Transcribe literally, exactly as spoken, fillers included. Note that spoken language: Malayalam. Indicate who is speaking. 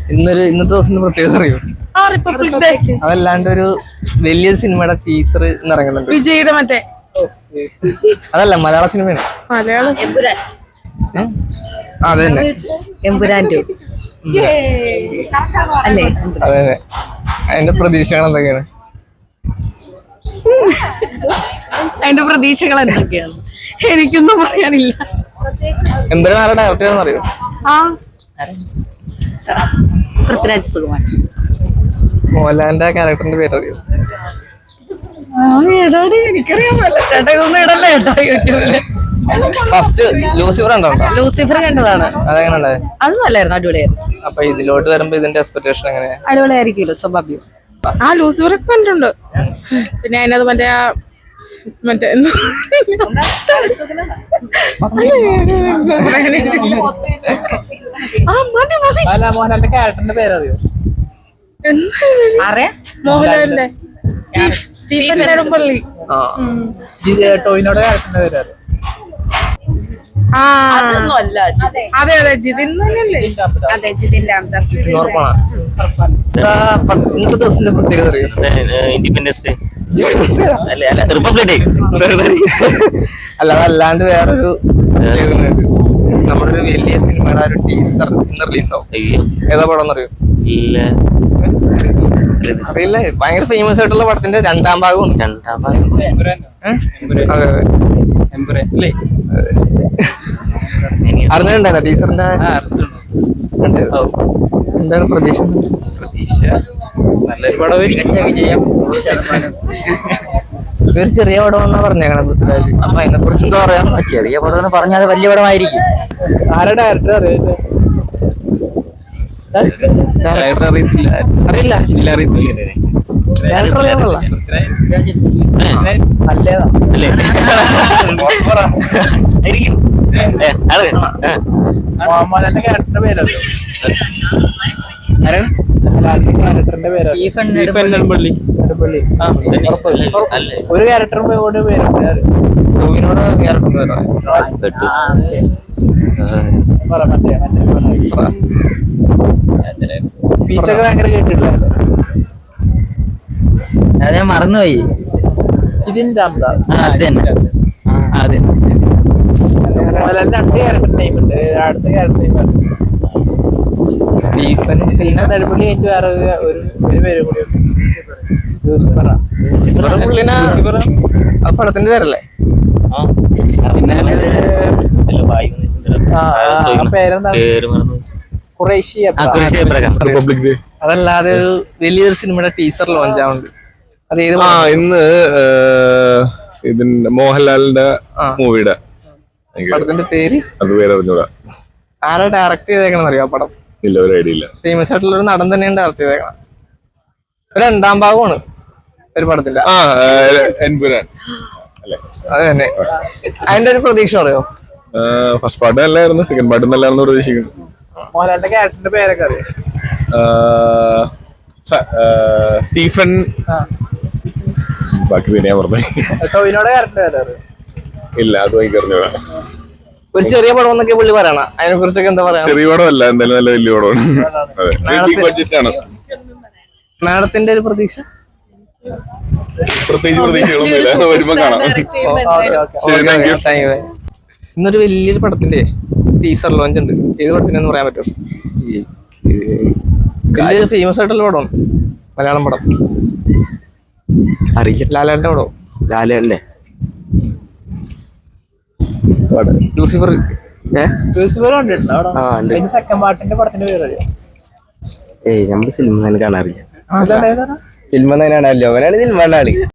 Speaker 1: ഇന്നൊരു ഇന്നത്തെ ദിവസത്തിന്റെ പ്രത്യേകത അറിയോ? അതല്ലാണ്ട് ഒരു വലിയ സിനിമയുടെ ടീസർ ഇന്ന് ഇറങ്ങുന്നുണ്ട്.
Speaker 2: വിജയുടെ മറ്റേ
Speaker 1: അതല്ല, മലയാള സിനിമയാണ്.
Speaker 2: മലയാളം
Speaker 1: അതെ തന്നെ,
Speaker 3: എമ്പുരാൻ ടു അല്ലേ?
Speaker 1: അതെ അതെ. അതിന്റെ പ്രതീക്ഷകൾ എന്തൊക്കെയാണ്?
Speaker 3: അതിന്റെ പ്രതീക്ഷകൾ എന്തൊക്കെയാണ്? എനിക്കൊന്നും പറയാനില്ല.
Speaker 1: എമ്പുരാൻ ആരുടെ ഡയറക്ടർ ആണെന്ന് അറിയോ?
Speaker 3: ആ പൃഥ്വിരാജ് സുകുമാർ.
Speaker 1: മോഹൻലാലിന്റെ ക്യാരക്ടറിന്റെ പേര് അറിയോ?
Speaker 3: ഏതാണ് എനിക്കറിയാൻ പറ്റില്ല ചേട്ടാ, ഇതൊന്നും ഇടല്ലേ കേട്ടോ യൂട്യൂബില്.
Speaker 1: ഫസ്റ്റ് ലൂസിഫർ ഉണ്ടോ?
Speaker 3: ലൂസിഫർ കണ്ടതാണ്.
Speaker 1: അതെങ്ങനെ ഉണ്ടായത്?
Speaker 3: അത് നല്ലായിരുന്നു, അടിപൊളിയായിരുന്നു.
Speaker 1: അപ്പൊ ഇതിലോട്ട് വരുമ്പോ ഇതിന്റെ എക്സ്പെക്ടേഷൻ എങ്ങനെയാ?
Speaker 3: അടിപൊളിയായിരിക്കുമല്ലോ, സ്വാഭാവികം.
Speaker 2: ആ ലൂസിഫർ കണ്ടിട്ടുണ്ട്. പിന്നെ അതിനകത്ത് മറ്റേ ആ മറ്റേ എന്തോ ആ മതി മതി.
Speaker 1: മോഹൻലാലിന്റെ ക്യാരക്ടറിന്റെ പേര് അറിയോ?
Speaker 2: മോഹൻലാലിന്റെ സ്റ്റീഫ് സ്റ്റീഫൻ നെടുമ്പള്ളി.
Speaker 1: ടോയിനോടെ ക്യാരക്ടറിന്റെ പേര് അറിയോ?
Speaker 2: ആ അതെ അതെ ജിതിൻ തന്നെയല്ലേ?
Speaker 3: അതെ, ജിതിന്റെ
Speaker 1: ഇന്നത്തെ ദിവസത്തിന്റെ പ്രത്യേകത അറിയോ?
Speaker 4: ഇൻഡിപെൻഡൻസ് ഡേ അല്ല അല്ല റിപ്പബ്ലിക് ഡേ
Speaker 1: അല്ല, അതല്ലാണ്ട് വേറൊരു നമ്മുടെ ഒരു വലിയ സിനിമയുടെ ഒരു ടീസർ ഇന്ന് റിലീസാവും. ഏതാ പടം എന്നറിയോ?
Speaker 4: ഇല്ല
Speaker 1: അറിയില്ല. ഭയങ്കര ഫേമസ് ആയിട്ടുള്ള പടത്തിന്റെ രണ്ടാം ഭാഗമാണ്.
Speaker 4: രണ്ടാം ഭാഗം
Speaker 1: അതെ അതെ. അറിഞ്ഞിട്ടുണ്ടായിരുന്ന ടീച്ചറിന്റെ? എന്താണ് പ്രതീക്ഷ?
Speaker 4: പ്രതീക്ഷ നല്ലൊരു പടമായിരിക്കും.
Speaker 1: ഇതൊരു ചെറിയ പടം എന്നാ പറഞ്ഞേക്കണം പൃഥ്വിരാജ്. അപ്പൊ അതിനെ കുറിച്ച് എന്താ പറയാ?
Speaker 4: ചെറിയ പടം എന്ന് പറഞ്ഞാൽ അത് വലിയ പടമായിരിക്കും.
Speaker 1: ആരുടെ ഡയറക്ടർ അറിയില്ല?
Speaker 4: അറിയത്തില്ല.
Speaker 1: അറിയില്ല
Speaker 4: ഇല്ല, അറിയത്തില്ല.
Speaker 1: ഡയറക്ടർ അറിയാമല്ല? മോഹൻലാലിന്റെ ക്യാരക്ടറിന്റെ പേരറിയോ? ഒരു ക്യാരക്ടറിന്റെ പേര് ടോവിനോട് ക്യാരക്ടറിന്റെ സ്പീച്ചൊക്കെ ഭയങ്കര കേട്ടിട്ടില്ലായിരുന്നു.
Speaker 4: അത് ഞാൻ മറന്നുപോയി.
Speaker 1: ഇതിന്റെ
Speaker 4: അതെ
Speaker 1: മോഹൻലാലിന്റെ രണ്ട് ക്യാരക്ടർ നെയിം ഉണ്ട്. അടുത്ത ക്യാരക്ടർ നെയിം സ്റ്റീഫൻ, പിന്നെ നെടുമ്പള്ളി എനിക്ക് വേറെ ഒരു ഒരു പേര് കൂടി പുള്ളിനെ. ആ പടത്തിന്റെ പേരല്ലേ? അതല്ലാതെ ഒരു വലിയൊരു സിനിമയുടെ ടീസർ ലോഞ്ച് ആവുന്നുണ്ട്. അത് ഏത്?
Speaker 5: ആ ഇന്ന് ഇതിന്റെ മോഹൻലാലിന്റെ മൂവിയുടെ
Speaker 1: പടത്തിന്റെ പേര്
Speaker 5: അത് പേര് അറിഞ്ഞൂടാ.
Speaker 1: ആരാ ഡയറക്ട് ചെയ്തേക്കണം അറിയോ പടം?
Speaker 5: ഇല്ല, ഒരു ഐഡിയ ഇല്ല.
Speaker 1: ഫേമസ് ആയിട്ടുള്ള ഒരു നടൻ തന്നെയാണ് ഡയറക്ട് ചെയ്തേക്കണം. ഒരു രണ്ടാം ഭാഗമാണ് ഒരു പടത്തിന്റെ.
Speaker 5: ആ എൻപുരാൻ അല്ലേ?
Speaker 1: അത് തന്നെ. അതിന്റെ ഒരു പ്രതീക്ഷ അറിയോ?
Speaker 5: ഫസ്റ്റ് പാർട്ട് നല്ലായിരുന്നു, സെക്കൻഡ് പാർട്ട് നല്ലായിരുന്നു പ്രതീക്ഷിക്കുന്നു.
Speaker 1: മോഹൻലാലിന്റെ ക്യാരക്ടറിന്റെ പേരൊക്കെ അറിയോ?
Speaker 5: സ്റ്റീഫൻ, ബാക്കി പിന്നെ ഞാൻ പറഞ്ഞു.
Speaker 1: ടോവിനോടെ ക്യാരക്ടർ പേരറിയോ?
Speaker 5: ഇല്ല, അത് എനിക്ക് അറിഞ്ഞൂടാ.
Speaker 1: ഒരു ചെറിയ പടം എന്നൊക്കെ പുള്ളി പറയണ, അതിനെ കുറിച്ചൊക്കെ എന്താ പറയാ?
Speaker 5: ചെറിയ പടമല്ല, എന്തായാലും നല്ല വലിയ പടമാണ്. ബഡ്ജറ്റ് ആണ്.
Speaker 1: മാഡത്തിന്റെ ഒരു പ്രതീക്ഷ?
Speaker 5: പ്രത്യേകിച്ച് പ്രതീക്ഷകളൊന്നുമില്ല, വരുമ്പോ കാണാം.
Speaker 1: ഇന്നൊരു വലിയൊരു പടത്തിന്റെ ടീസർ ലോഞ്ച് ഉണ്ട്. ഏത് പടത്തിനെന്ന് പറയാൻ പറ്റും? വലിയൊരു ഫേമസ് ആയിട്ടുള്ള പടമാണ്, മലയാളം പടം.
Speaker 4: അറിയില്ല.
Speaker 1: ലാലാലിന്റെ പടം.
Speaker 4: ലാലല്ലേ?
Speaker 1: ലൂസിഫർ.
Speaker 4: സെക്കൻഡ്
Speaker 1: പാർട്ടിന്റെ പടത്തിന്റെ പേര് അറിയോ?
Speaker 4: ഏയ് നമ്മള് സിനിമ കാണാറില്ല. സിനിമ കാണാറില്ല, അവനാണ് സിനിമ കാണാളി.